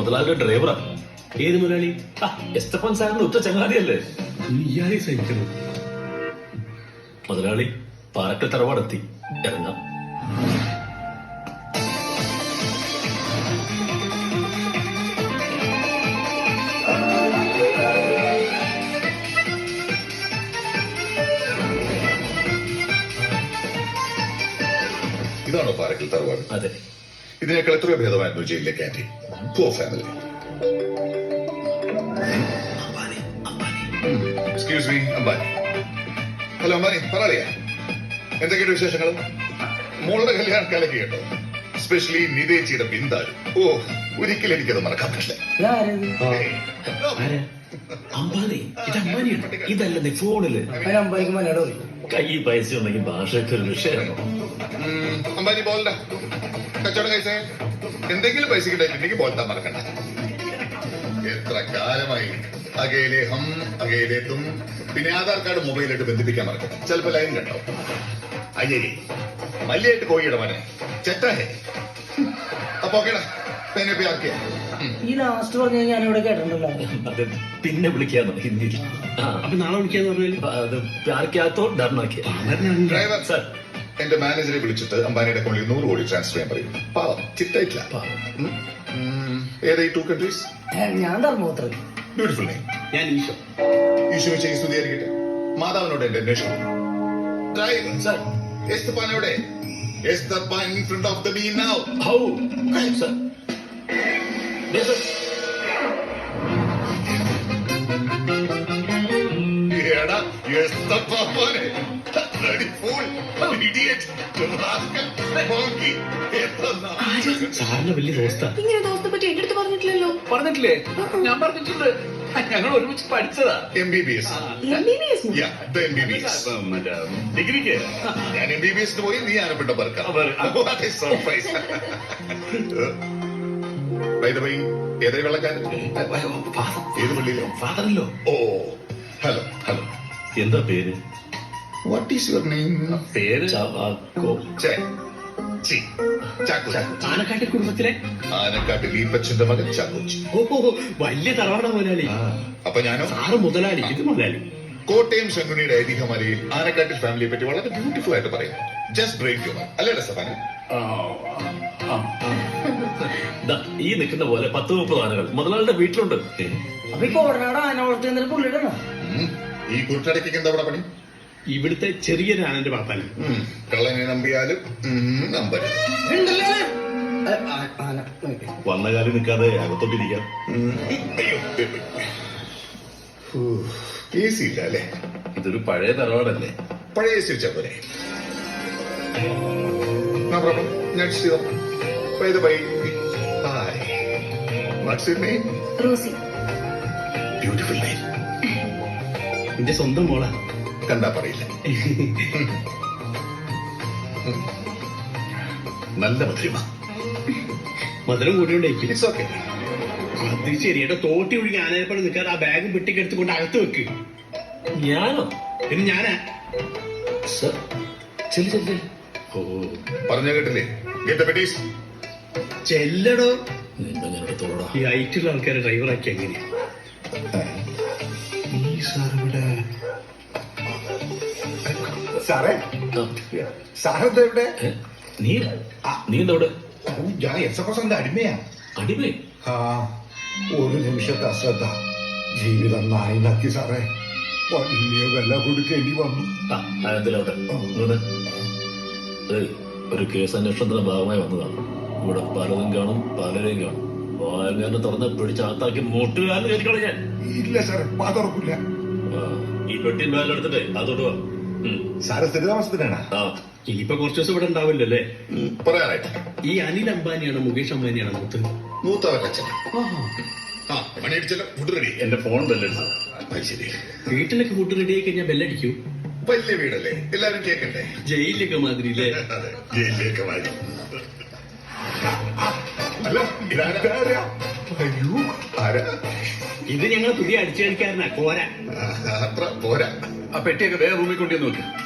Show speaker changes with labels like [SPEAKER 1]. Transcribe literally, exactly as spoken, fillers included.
[SPEAKER 1] മുതലാളിയുടെ ഡ്രൈവറാ.
[SPEAKER 2] ഏത് മുതലാളി?
[SPEAKER 1] എസ്തഫാൻ സാറിന്റെ ഉറ്റ ചങ്ങാതിയല്ലേ?
[SPEAKER 2] ഇയാളെ സഹിക്കണം.
[SPEAKER 1] മുതലാളി പാറക്കൽ തറവാടെത്തി. ഇറങ്ങാം.
[SPEAKER 3] ഇതാണോ പാറക്കൽ തറവാട്?
[SPEAKER 1] അതെ.
[SPEAKER 3] ഇതിനേക്കാൾ എത്രയോ ഭേദമായിരുന്നു ജയിലിലെ canteen. Poor family. Excuse me, Ambani. Hello Ambani, പറയാ എന്തൊക്കെയാണ് വിശേഷങ്ങൾ? മോളുടെ കല്യാണക്കാലൊക്കെ കേട്ടോ, സ്പെഷ്യലി നിതേച്ചിയുടെ ബിന്ദാരു. ഓ, ഒരിക്കലും എനിക്കത് മറക്കാൻ പറ്റില്ല.
[SPEAKER 1] അമ്പാനി, ഇത് അമ്പാനിയാണ്. ഇതല്ലേ ഫോണില്
[SPEAKER 4] അമ്പാനിക്ക് മലയാളം
[SPEAKER 1] കൈ പൈസ ഉണ്ടെങ്കിൽ ഭാഷയൊക്കെ ഒരു വിഷയമാണോ?
[SPEAKER 3] അംബാനി ബോൾഡ കച്ചവടം കഴിച്ചേ. എന്തെങ്കിലും പൈസ കിട്ടായിട്ടുണ്ടെങ്കിൽ ബോൾട്ടാ മറക്കണ്ട. എത്ര കാലമായി അകയിലെ ഹം അകയിലെ തും. പിന്നെ ആധാർ കാർഡ് മൊബൈലായിട്ട് ബന്ധിപ്പിക്കാൻ മറക്കണ്ട. ചിലപ്പോ ലൈൻ കണ്ടോ. അയ്യേ മല്ലിയായിട്ട് കോഴിയുടെ മനെ ചെറ്റാഹേ. അപ്പൊ ഓക്കേടാ, പിന്നെ പ്യാർക്കിയ.
[SPEAKER 4] ഈ ലാസ്റ്റ് പറഞ്ഞ ഞാൻ ഇവിടെ കേട്ടിട്ടുണ്ടല്ലോ.
[SPEAKER 1] അത് പിന്നെ വിളിക്കാന്നോ ഹിന്ദിയിൽ?
[SPEAKER 2] അപ്പൊ നാളെ വിളിക്കാന്ന് പറഞ്ഞാൽ
[SPEAKER 1] അത് പ്യാർക്കാത്തോ ഡർനാക്കിയ.
[SPEAKER 3] ഡ്രൈവർ
[SPEAKER 1] സാർ,
[SPEAKER 3] എന്റെ മാനേജറെ വിളിച്ചിട്ട് അംബാനിയുടെ അക്കൗണ്ടിൽ നൂറ് കോടി ട്രാൻസ്ഫർ ചെയ്യാൻ പറയും. പാവം ചിറ്റായിട്ടില്ല. ഏതാ ഈ ടു കൺട്രീസ്?
[SPEAKER 4] ഞാൻ ധർമ്മപുത്രൻ.
[SPEAKER 3] Beautiful name.
[SPEAKER 2] ഞാൻ ഈശോ.
[SPEAKER 3] ഈശോ വെച്ച ഈ സ്തുതിയായിരിക്കട്ടെ. മാതാവിനോട് എന്റെ അന്വേഷണം. Driver
[SPEAKER 1] sir.
[SPEAKER 3] എസ്തപ്പാൻ എവിടെ? Esthappan in front of the me now.
[SPEAKER 1] How sir?
[SPEAKER 3] എടാ എസ്തപ്പാനെ bloody fool, idiot, rascal, monkey.
[SPEAKER 2] സാറിന് വലിയ ദോസ്താ.
[SPEAKER 5] ഇങ്ങനെ ദോസ്തെ പറ്റി എന്റെ അടുത്ത് പറഞ്ഞിട്ടില്ലല്ലോ.
[SPEAKER 1] പറഞ്ഞിട്ടില്ലേ? ഞാൻ പറഞ്ഞിട്ടുണ്ട്. ഞങ്ങൾ ഒരുമിച്ച് പഠിച്ചതാ.
[SPEAKER 3] M B B S.
[SPEAKER 5] M B B S
[SPEAKER 3] M B B S
[SPEAKER 1] ഡിഗ്രിക്ക്
[SPEAKER 3] ഞാൻ എം ബി ബി എസിന് പോയി. നീ ആനപ്പെട്ട പറക്കാം. സർപ്രൈസ്. ഏതായി വെള്ളക്കാരൻ? ഏത് പള്ളിയിലോ?
[SPEAKER 1] ഫാദറല്ലോ.
[SPEAKER 3] ഓ ഹലോ ഹലോ.
[SPEAKER 1] എന്താ പേര്?
[SPEAKER 3] What is your name?
[SPEAKER 1] പേര് ചാക്കോ.
[SPEAKER 3] ചാക്കോ.
[SPEAKER 2] ആനക്കാട്ടെ കുടുംബത്തിലെ
[SPEAKER 3] ആനക്കാട്ടിൽ ഈപ്പച്ചന്റെ മകൻ ചാക്കോച്ചി.
[SPEAKER 2] ഓ വലിയ തറവാട മുതലാളി.
[SPEAKER 3] അപ്പൊ ഞാനോ?
[SPEAKER 2] സാറ് മുതലാളി, ഇത് മുതലാളി.
[SPEAKER 3] കോട്ടയം ശങ്കുണിയുടെ ഐതിഹ്യമാലയിൽ ആനക്കാട്ടിൽ ഫാമിലിയെ പറ്റി വളരെ ബ്യൂട്ടിഫുൾ ആയിട്ട് പറയും. ജസ്റ്റ് ബ്രെയിൻ ഹ്യൂമർ അല്ലേ സഫാന?
[SPEAKER 1] ഈ നിൽക്കുന്ന പോലെ പത്ത് മുപ്പത് ആനകൾ മുതലാളിയുടെ വീട്ടിലുണ്ട്.
[SPEAKER 4] അപ്പൊ ഈ കോടനാട് ആന വളർത്തുന്ന പുള്ളിയുടെ
[SPEAKER 3] ഈ കുട്ടടയ്ക്ക് എന്താ അവിടെ പണി?
[SPEAKER 2] ഇവിടുത്തെ ചെറിയൊരു ആനന്റെ പാപ്പാന്.
[SPEAKER 3] കള്ളനെ നമ്പിയാലും നമ്പരുത്.
[SPEAKER 1] വന്ന കാലം നിൽക്കാതെ അകത്തോട്ടിരിക്കാം.
[SPEAKER 3] എ സി ഇല്ല അല്ലേ?
[SPEAKER 1] ഇതൊരു പഴയ തറവാടല്ലേ?
[SPEAKER 3] പഴയ എ സി വെച്ചാ പോരെ. ഞാൻ
[SPEAKER 5] റോസി.
[SPEAKER 3] Beautiful name.
[SPEAKER 2] എന്റെ സ്വന്തം മോളാ.
[SPEAKER 3] കണ്ടാ പറയില്ല. നല്ല മധുരിമ.
[SPEAKER 2] മധുരം കൂടിയോണ്ടേ.
[SPEAKER 3] It's okay.
[SPEAKER 2] അത് ശരി. എന്റെ തോട്ടി ഒഴുകി ആനയപ്പഴം നിൽക്കാതെ ആ ബാഗ് പെട്ടിക്കെടുത്തുകൊണ്ട് അകത്ത് വെക്ക്.
[SPEAKER 1] ഞാനോ?
[SPEAKER 2] പിന്നെ ഞാനാ.
[SPEAKER 1] സർ ചെല്ലു ചെല്ലു.
[SPEAKER 2] ഓ
[SPEAKER 3] പറഞ്ഞ കേട്ടില്ലേ? Get the patties.
[SPEAKER 2] ചെല്ലടോ.
[SPEAKER 1] നിന്നെ ഞാൻ എടുത്തോളാ.
[SPEAKER 2] ഈ ഐറ്റുള്ള ആൾക്കാരെ ഡ്രൈവറാക്കി എങ്ങനെയാ?
[SPEAKER 3] ഈ സാറിവിടെ
[SPEAKER 6] സാറേ, സാറെന്താ ഇവിടെ?
[SPEAKER 1] നീ നീ എന്താ ഇവിടെ?
[SPEAKER 6] ഞാൻ എസ് എഫ് എസിന്റെ അടിമയാ.
[SPEAKER 1] അടിമേ?
[SPEAKER 6] ആ ഒരു നിമിഷത്തെ അശ്രദ്ധ ജീവിതം നായിനാക്കി സാറേ. വലിയ വില കൊടുക്കേണ്ടി വന്നു.
[SPEAKER 1] എന്തിലോട്ടെ ഒരു കേസ് അന്വേഷണത്തിന്റെ ഭാഗമായി വന്നതാണ്. ഇവിടെ പലതും കാണും, പലരെയും കാണും. വായന തുറന്ന് പിടിച്ച് അകത്താക്കി മുട്ടുകാരന് കയറിക്കളെ ഞാൻ.
[SPEAKER 6] ഇല്ല സാറേ, വാ തുറക്കില്ല.
[SPEAKER 1] ഈ പെട്ടിയും ബാഗെടുത്തിട്ടേ അതോട്ട് വാ.
[SPEAKER 6] സാറ് സ്ഥിരതാമസത്തിനാണ്.
[SPEAKER 2] ആ ഇനിയിപ്പൊ കുറച്ചു ദിവസം ഇവിടെ ഉണ്ടാവില്ലോ അല്ലേ?
[SPEAKER 3] പറയാനായിട്ട്
[SPEAKER 2] ഈ അനിൽ അംബാനിയാണോ മുകേഷ് അംബാനിയാണോ മൂത്ത്?
[SPEAKER 3] മൂത്തവരുടെ അച്ഛൻ. ആ മണിയടിച്ചല്ലോ. Food ready.
[SPEAKER 1] എന്റെ ഫോൺ ബെല്ലെടുത്തു.
[SPEAKER 3] ശരി.
[SPEAKER 2] വീട്ടിലൊക്കെ ഫുഡ് റെഡി ആയി കഴിഞ്ഞാൽ ബെല്ലടിക്കൂ.
[SPEAKER 3] വലിയ വീടല്ലേ, എല്ലാരും കേൾക്കണ്ടേ?
[SPEAKER 2] ജയിലിലൊക്കെ മാതിരി അല്ലേ?
[SPEAKER 3] അതെ, ജയിലിലേക്ക് മാറി. അല്ല ഇതാരാ? അയ്യോ ആരാ?
[SPEAKER 2] ഇത് ഞങ്ങളെ പുതിയ അടിച്ചു കളിക്കാരനാ കോര.
[SPEAKER 3] അത്ര പോരാ.
[SPEAKER 1] ആ പെട്ടിയൊക്കെ വേറെ റൂമിൽ കൊണ്ടുവന്ന് നോക്കി.